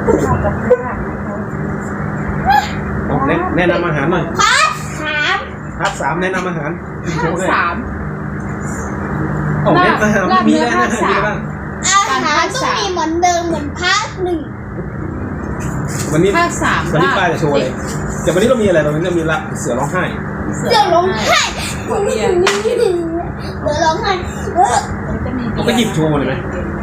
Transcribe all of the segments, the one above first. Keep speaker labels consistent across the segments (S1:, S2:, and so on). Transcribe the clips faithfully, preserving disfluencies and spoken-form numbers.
S1: แนะแนะนำอาหารหน่อย
S2: พาร์ทสาม
S1: พาร์ทสามแนะนำอาหาร
S3: ภาคสาม
S1: โอ้แนะนำอาหารมีอะไรนะมีอะไรบ้าง
S2: อาหารต้องมีเหมือนเดิมเหมือนพาร์ทหนึ่ง
S1: วันนี้
S3: ภาคสาม
S1: วันนี้ป้าจะโชว์เลยแต่วันนี้เรามีอะไรตรงนี้เรามีละเสือร้องไห้
S2: เสือร้องไห้เสือร้องไห้เออ
S1: เราก็หยิบโชว์เลยไหม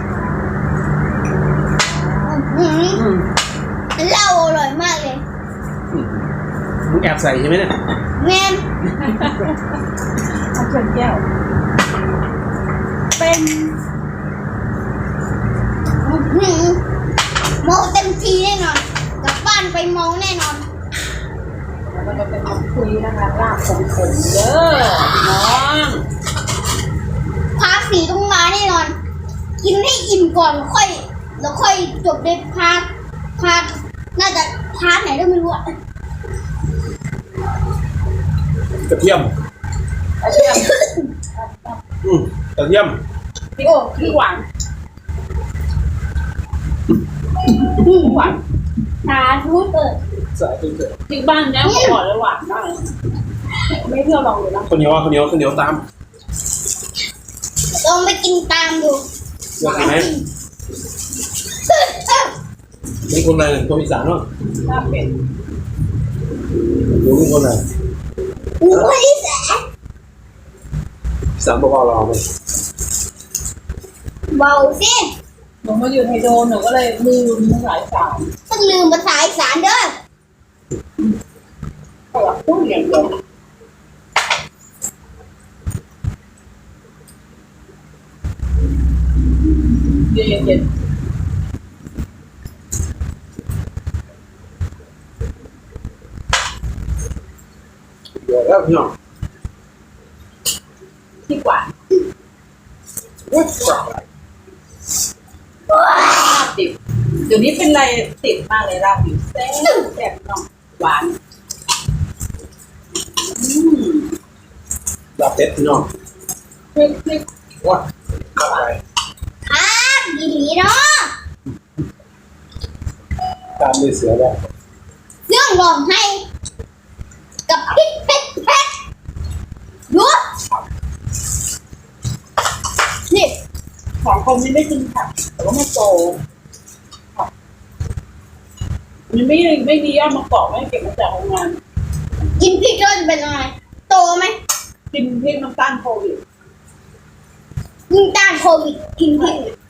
S2: หืมเหล้าอร่อยมากเลย
S1: มึงแอบใส่ใช่ไหมเนี่ย
S2: แม่น
S3: เอาเชิญแก้วเป็น
S2: หืมเมาเต็มทีแน่นอนกลับบ้านไปเมาแน่นอน
S3: มันจะเป็นคำคุยนะคะลาบขมๆเด้อน้อง
S2: พาร์ทสี่ต้องมาแน่นอน กินให้อิ่มก่อนแล้วค่อยแล้วค่อยจบในพาร์ทพาร์ทน่าจะพาร์ทไหนก็ไม่รู้อะ
S1: กระเทียม
S3: กระเทียม
S1: อืมกระเทียม
S3: พี่โอ้พี่หวานพี่หวาน
S2: สาธุเปิด
S1: ใส่ตึ้งเสือ
S3: ที่บ้านเนี้ยเขาบอกเลยหวานมากไม่เพื่อลองเลยนะ
S1: ข้าวเหนียวข้าวเหนียวข้าวเหนียวตาม
S2: ลองไปกินตามดู
S1: เสือกินไหมนี่คนอะไรคนอีสานเนาะ
S3: ลาบเป็ด
S1: ดูนี่คนอะไร
S2: อุ้ยแสบ
S1: อีสานบอกว่าเราไหม
S2: เบาสิ
S3: หนูมาอยู่ไทยโดนหนูก็เลยลืมภาษาอีสาน
S2: ต้องลืมภาษาอีสานเด้อ
S3: เขาอยากพูดอย่างเดียวเย็นเย็น
S1: เดี๋ยวแล้วพี่น้อง
S3: ที่กว่า
S1: ว้าว
S3: ลาบดิบเดี๋ยวนี้เป็นอะไรติดมากเลยลาบดิบแซ่บแซ่บน้องหวานอืม
S1: ลาบเป็ดพี่น้อง
S3: พริกพริก
S1: ว้าวเข้าไป
S2: ครับดีหลีเนาะ
S1: ตามด้วยเสือได้
S2: เรื่องร้องให้กับพริกเผ็ดเผ็ดดูนี่
S3: ของคนนี้ไม่กินผักแต่ว่าไม่โตผักมันไม่ไม่ดีอ่ะมาเกาะไม่เก็บมาจากโรงงาน
S2: กินพริกแล้วจะเป็นอะไรโตไหม
S3: กินพริกน้ำตาลโควิด
S2: ยิ่งต้านโควิดกินพริก